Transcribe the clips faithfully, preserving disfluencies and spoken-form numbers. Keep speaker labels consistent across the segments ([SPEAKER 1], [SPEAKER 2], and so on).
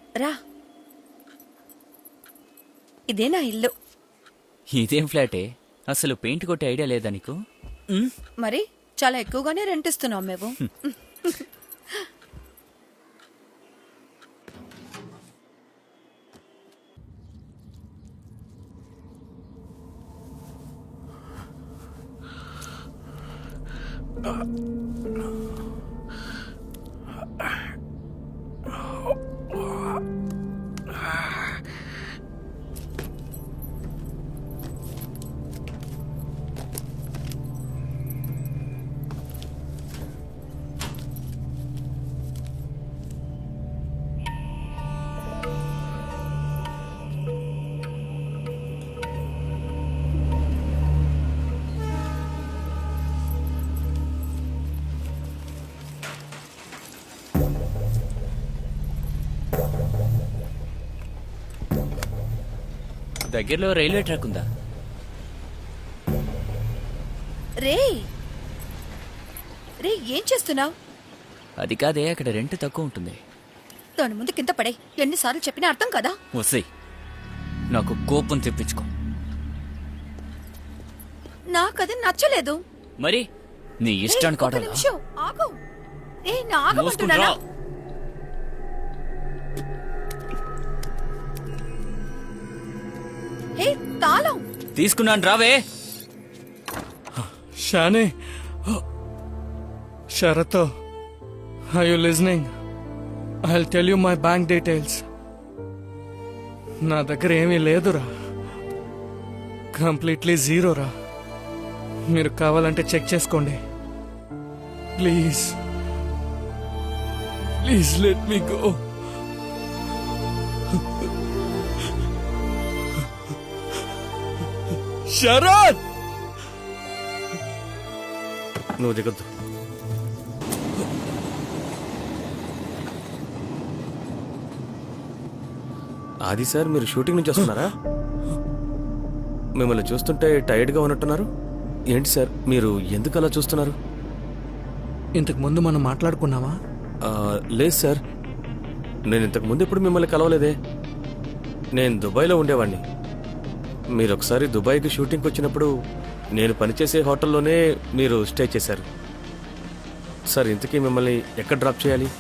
[SPEAKER 1] రా, ఇదే నా ఇల్లు.
[SPEAKER 2] ఇదేం ఫ్లాటే? అసలు పెయింట్ కొట్టే ఐడియా లేదా నీకు?
[SPEAKER 1] మరి చాలా ఎక్కువగానే రెంట్ ఇస్తున్నాం మేము.
[SPEAKER 2] దగ్గరలో రైల్వే ట్రాక్ ఉందా?
[SPEAKER 1] రే రే ఏం చేస్తున్నావు?
[SPEAKER 2] అది కాదే, అక్కడ రెంట్ తక్కువ ఉంటుంది.
[SPEAKER 1] దాని ముందు కింద పడే. ఎన్నిసార్లు చెప్పినా అర్థం కదా.
[SPEAKER 2] వస్తాయి, నాకు కోపం తెప్పించుకో.
[SPEAKER 1] నాకది నచ్చలేదు.
[SPEAKER 2] మరి నీ ఇష్టాన్ని కాదు.
[SPEAKER 1] ఆగు. ఏ నా ఆగమంటున్నానా? హే, తాళం
[SPEAKER 2] తీసుకున్నాను, రావే.
[SPEAKER 3] షానే, Sarath, are you listening? I'll tell you my bank details. నా దగ్గర ఏమీ లేదురా, కంప్లీట్లీ జీరో రా. మీరు కావాలంటే చెక్ చేసుకోండి. Please please let me go. Sharath,
[SPEAKER 4] నువ్వు దిగొద్దు. ఆది సార్, మీరు షూటింగ్ నుంచి వస్తున్నారా? మిమ్మల్ని చూస్తుంటే టైర్డ్గా ఉన్నట్టున్నారు. ఏంటి సార్, మీరు ఎందుకు అలా చూస్తున్నారు?
[SPEAKER 3] ఇంతకు ముందు మనం మాట్లాడుకున్నావా?
[SPEAKER 4] ఆ, లేదు సార్, నేను ఇంతకు ముందు ఎప్పుడు మిమ్మల్ని కలవలేదే. నేను దుబాయ్లో ఉండేవాడిని. మీరు ఒకసారి దుబాయ్కి షూటింగ్కి వచ్చినప్పుడు నేను పనిచేసే హోటల్లోనే మీరు స్టే చేశారు. సార్, ఇంతకీ మిమ్మల్ని ఎక్కడ డ్రాప్ చేయాలి?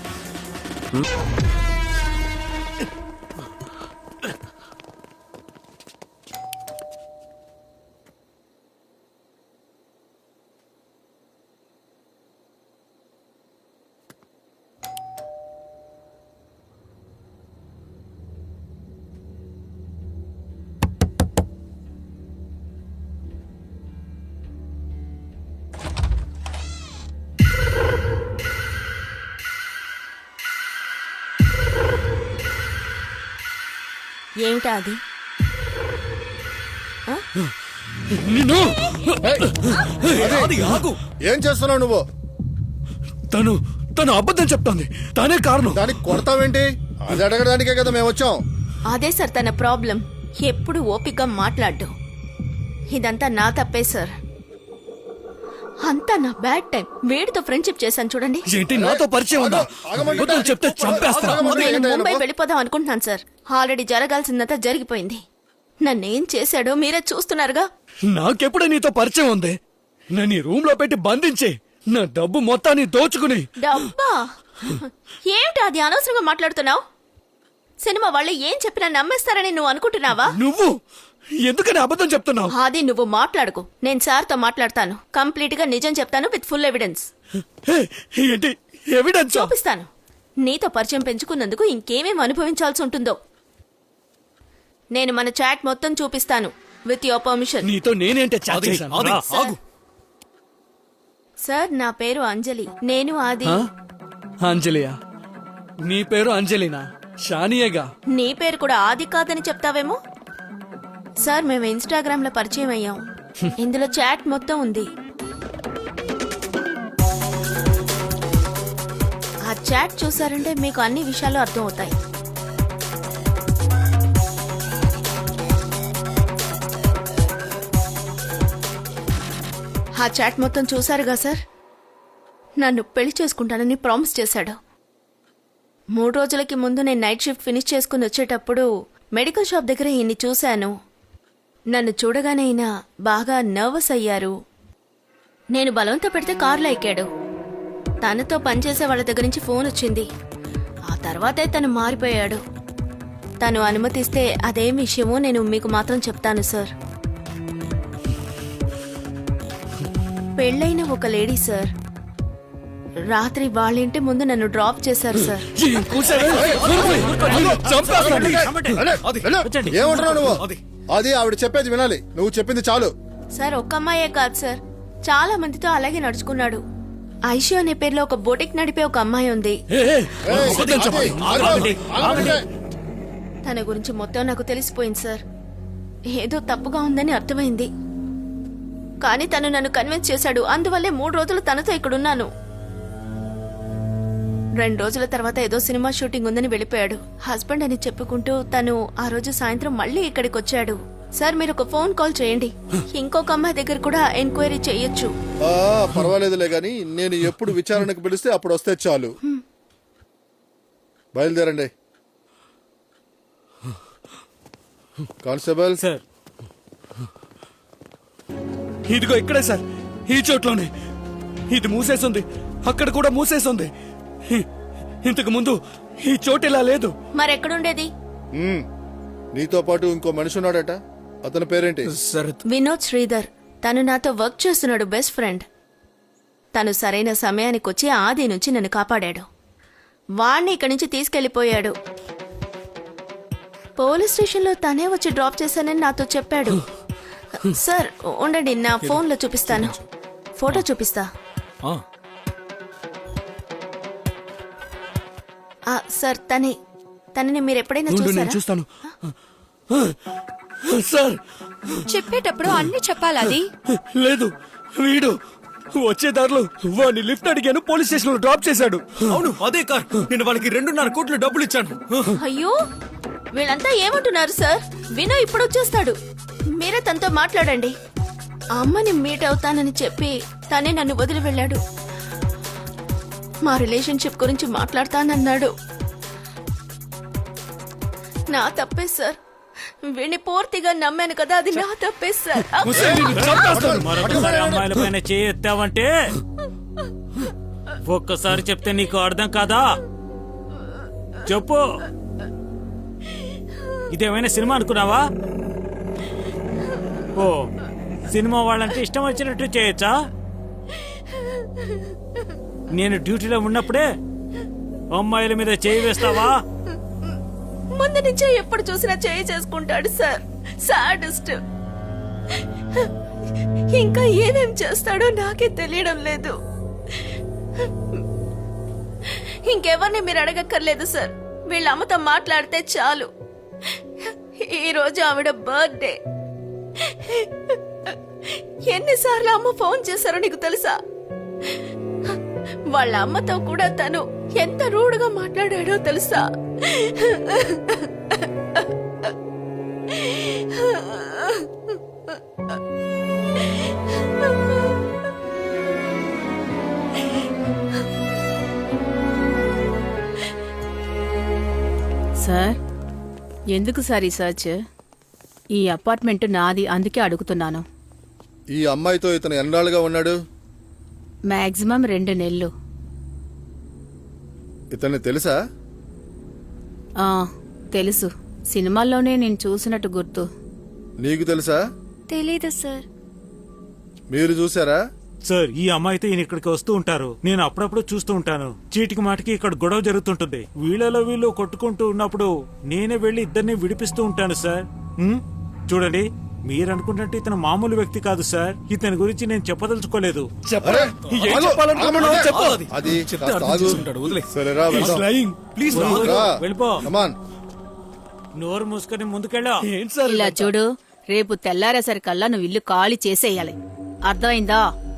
[SPEAKER 5] ఏమిటా అది?
[SPEAKER 6] ఏం చేస్తున్నావు నువ్వు?
[SPEAKER 3] తను తను అబద్ధం చెప్తోంది. తనే కారణం.
[SPEAKER 6] దానికి కొడతావేంటి? అది అడగడానికే కదా మేము వచ్చాం.
[SPEAKER 5] అదే సార్ తన ప్రాబ్లం. ఎప్పుడు ఓపికగా మాట్లాడ్డు. ఇదంతా నా తప్పే సార్. అంతా నా బ్యాడ్ టైం. వేడితో ఫ్రెండ్షిప్ చేశాను చూడండి.
[SPEAKER 3] ఏంటి, నాతో పరిచయం ఉందా? అబద్ధం చెప్తే చంపేస్తా.
[SPEAKER 5] నేను ముంబై వెళ్ళిపోదాం అనుకుంటున్నాను సార్. ఆల్రెడీ జరగాల్సిందంతా జరిగిపోయింది. నన్నేం చేశాడో మీరే చూస్తున్నారుగా.
[SPEAKER 3] నాకెప్పుడు నీతో పరిచయం ఉంది? నన్ను ఈ రూమ్ లో పెట్టి బంధించి నా డబ్బు మొత్తాన్ని దోచుకుని.
[SPEAKER 5] డబ్బా? ఏమిటి అది అనవసరంగా మాట్లాడుతున్నావు? సినిమా వాళ్ళు ఏం చెప్పినా నమ్మేస్తారని నువ్వు అనుకుంటున్నావా?
[SPEAKER 3] నువ్వు ఎందుకని అబద్ధం చెప్తున్నావు?
[SPEAKER 5] అది నువ్వు మాట్లాడుకో, నేను సార్తో మాట్లాడతాను. కంప్లీట్ గా నిజం చెప్తాను విత్ ఫుల్ ఎవిడెన్స్.
[SPEAKER 3] ఏంటి ఎవిడెన్స్?
[SPEAKER 5] చూపిస్తాను. నీతో పరిచయం పెంచుకున్నందుకు ఇంకేమేం అనుభవించాల్సి ఉంటుందో. నేను మన చాట్ మొత్తం చూపిస్తాను విత్ యువర్ పర్మిషన్.
[SPEAKER 3] నీతో నేనేంటే చాట్ చేశాను?
[SPEAKER 5] సార్, నా పేరు అంజలి. నేను ఆది.
[SPEAKER 3] అంజలియా? నీ పేరు అంజలినా? షానియేగా.
[SPEAKER 5] నీ పేరు కూడా ఆది కాదని చెప్తావేమో. సార్, మేము ఇన్స్టాగ్రామ్ లో పరిచయం అయ్యాం. ఇందులో చాట్ మొత్తం ఉంది. ఆ చాట్ చూసారంటే మీకు అన్ని విషయాలు అర్థం అవుతాయి. ఆ చాట్ మొత్తం చూసారుగా సార్. నన్ను పెళ్లి చేసుకుంటానని ప్రామిస్ చేశాడు. మూడు రోజులకి ముందు నేను నైట్ షిఫ్ట్ ఫినిష్ చేసుకుని వచ్చేటప్పుడు మెడికల్ షాప్ దగ్గర ఈయన్ని చూశాను. నన్ను చూడగానే ఈయన బాగా నర్వస్ అయ్యారు. నేను బలవంత పెడితే కారులో ఎక్కాడు. తనతో పనిచేసే వాళ్ళ దగ్గర నుంచి ఫోన్ వచ్చింది. ఆ తర్వాతే తను మారిపోయాడు. తను అనుమతిస్తే అదేం విషయమో నేను మీకు మాత్రం చెప్తాను సార్. పెళ్ళైన ఒక లేడీ సార్ రాత్రి వాళ్ళ ఇంటి ముందు నన్ను డ్రాప్ చేశారు సార్.
[SPEAKER 6] ఏమంటున్నావు నువ్వు? అది ఆవిడ చెప్పేది వినాలి. నువ్వు చెప్పింది చాలు.
[SPEAKER 5] సార్ ఒక్క అమ్మాయే కాదు సార్, చాలా మందితో అలాగే నడుచుకున్నాడు. ఐషు అనే పేరులో ఒక బొటిక్ నడిపే ఒక అమ్మాయి ఉంది.
[SPEAKER 6] ఏయ్, ఆగి, ఆగండి, ఆగండి.
[SPEAKER 5] తన గురించి మొత్తం నాకు తెలిసిపోయింది సార్. ఏదో తప్పుగా ఉందని అర్థమైంది. కానీ తను నన్ను కన్విన్స్ చేశాడు. అందువల్లే మూడు రోజులు తనతో ఇక్కడున్నాను. రెండు రోజుల తర్వాత ఏదో సినిమా షూటింగ్ ఉందని వెళ్ళిపోయాడు. హస్బెండ్ అని చెప్పుకుంటూ తను ఆ రోజు సాయంత్రం మళ్ళీ ఇక్కడికి వచ్చాడు. సార్ మీరు ఒక ఫోన్ కాల్ చేయండి. ఇంకొక అమ్మాయి దగ్గర కూడా ఎంక్వైరీ చేయొచ్చు.
[SPEAKER 6] ఆ, పర్వాలేదులే గాని నేను ఎప్పుడు విచారణకు పిలిస్తే అప్పుడు వస్తే చాలు. బయలుదేరండి. కానిస్టేబుల్
[SPEAKER 3] సార్ ఇదిగో ఇక్కడే సార్, ఈ చోట్లోనే. ఇది మూసేసింది, అక్కడ కూడా మూసేసింది. ఇ- ఇంతకు ముందు ఈ చోటు ఇలా లేదు.
[SPEAKER 5] మరెక్కడుండేది?
[SPEAKER 6] ఉమ్, నీతో పాటు ఇంకో మనిషి ఉన్నాడట. అతని పేరేంటి?
[SPEAKER 5] వినోద్ శ్రీధర్. తను నాతో వర్క్ చేస్తున్నాడు, బెస్ట్ ఫ్రెండ్. తను సరైన సమయానికి వచ్చి ఆది నుంచి నన్ను కాపాడాడు. వాణ్ణి ఇక్కడి నుంచి తీసుకెళ్లిపోయాడు. పోలీస్ స్టేషన్లో తనే వచ్చి డ్రాప్ చేశానని నాతో చెప్పాడు. సార్ ఉండండి, నా ఫోన్లో చూపిస్తాను. ఫోటో చూపిస్తా. ఆ, సార్ తనే. తనని మీరు ఎప్పుడైనా
[SPEAKER 3] ఉండు, నేను
[SPEAKER 5] చూసారా?
[SPEAKER 3] చూస్తాను. సార్
[SPEAKER 1] చెప్పేటప్పుడు అన్ని చెప్పాలి. అది
[SPEAKER 3] లేదు, వీడు వచ్చే దారిలో వాడిని లిఫ్ట్ అడిగాను, పోలీస్ స్టేషన్ లో డ్రాప్ చేశాడు.
[SPEAKER 7] అవును అదే కార్. నేను వాళ్ళకి రెండున్నర కోట్లు డబ్బులు ఇచ్చాను.
[SPEAKER 5] అయ్యో వీళ్ళంతా ఏమంటున్నారు సార్? వినో ఇప్పుడు వచ్చేస్తాడు. మీరే తనతో మాట్లాడండి. ఆ అమ్మని మీట్ అవుతానని చెప్పి తనే నన్ను వదిలి వెళ్ళాడు. మా రిలేషన్షిప్ గురించి మాట్లాడతానన్నాడు. నా తప్పే సార్. వీడిని పూర్తిగా నమ్మాను కదా, అది నా తప్పే సార్.
[SPEAKER 7] మరొకసారి అమ్మాయిల పైన చేయెత్తావంటే ఒక్కసారి చెప్తే నీకు అర్థం కాదా? చెప్పు. ఇదేమైనా సినిమా అనుకున్నావా? ఓ సినిమా వాళ్ళంటే ఇష్టం వచ్చినట్టు చేయొచ్చా? నేను డ్యూటీలో ఉన్నప్పుడే అమ్మాయిల మీద చేయి వేస్తావా?
[SPEAKER 5] ముందు నుంచే ఎప్పుడు చూసినా చేయి చేసుకుంటాడు సార్. సాడిస్ట్. ఇంకా ఏమేం చేస్తాడో నాకే తెలియడం లేదు. ఇంకెవరిని మీరు అడగక్కర్లేదు సార్. వీళ్ళ అమ్మతో మాట్లాడితే చాలు. ఈ రోజు ఆవిడ బర్త్డే. ఎన్నిసార్లు అమ్మ ఫోన్ చేశారో నీకు తెలుసా? వాళ్ళ అమ్మతో కూడా తను ఎంత రూడ్గా మాట్లాడాడో తెలుసా?
[SPEAKER 8] సార్ ఎందుకు సార్ ఈ సర్చ్? ఈ అపార్ట్మెంట్ నాది, అందుకే అడుగుతున్నాను.
[SPEAKER 6] ఈ అమ్మాయితో ఇతను ఎన్నాళ్ళుగా ఉన్నాడు?
[SPEAKER 8] మాక్సిమం రెండు నెలలు.
[SPEAKER 6] ఇతన్ని తెలుసా?
[SPEAKER 8] ఆ, తెలుసు. సినిమాల్లోనే నేను చూసినట్టు గుర్తు.
[SPEAKER 6] నీకు తెలుసా?
[SPEAKER 1] తెలీదు సార్.
[SPEAKER 6] మీరు చూసారా?
[SPEAKER 7] సార్ ఈ అమ్మాయితో ఈయన ఇక్కడికి వస్తూ ఉంటారు. నేను అప్పుడప్పుడు చూస్తూ ఉంటాను. చీటికి మాటికి ఇక్కడ గొడవ జరుగుతుంటుంది. వీళ్ళలో వీళ్ళు కొట్టుకుంటూ ఉన్నప్పుడు నేనే వెళ్లి ఇద్దరిని విడిపిస్తూ ఉంటాను సార్. ఉమ్, చూడండి, మీరు అనుకున్నట్టు ఇతను మామూలు వ్యక్తి కాదు సార్. ఇతని గురించి నేను చెప్పదలుచుకోలేదు.
[SPEAKER 6] అరే,
[SPEAKER 3] ఏం
[SPEAKER 6] ఆగు,
[SPEAKER 3] చెప్పాలనుకున్నావు
[SPEAKER 6] ఆగు,
[SPEAKER 3] చెప్పు.
[SPEAKER 6] అది కాస్త ఆగు. సరేరా, వెళ్దాం.
[SPEAKER 3] Lying. Please,
[SPEAKER 6] రా.
[SPEAKER 7] వెళ్ళిపో.
[SPEAKER 6] Come on.
[SPEAKER 7] నోరు మూసుకొని ముందుకెళ్ళా.
[SPEAKER 3] ఏంటి సార్
[SPEAKER 8] ఇలా చూడు, రేపు తెల్లారేసరికల్లా నువ్వు ఇల్లు ఖాళీ చేసేయాలి. అర్థమైందా?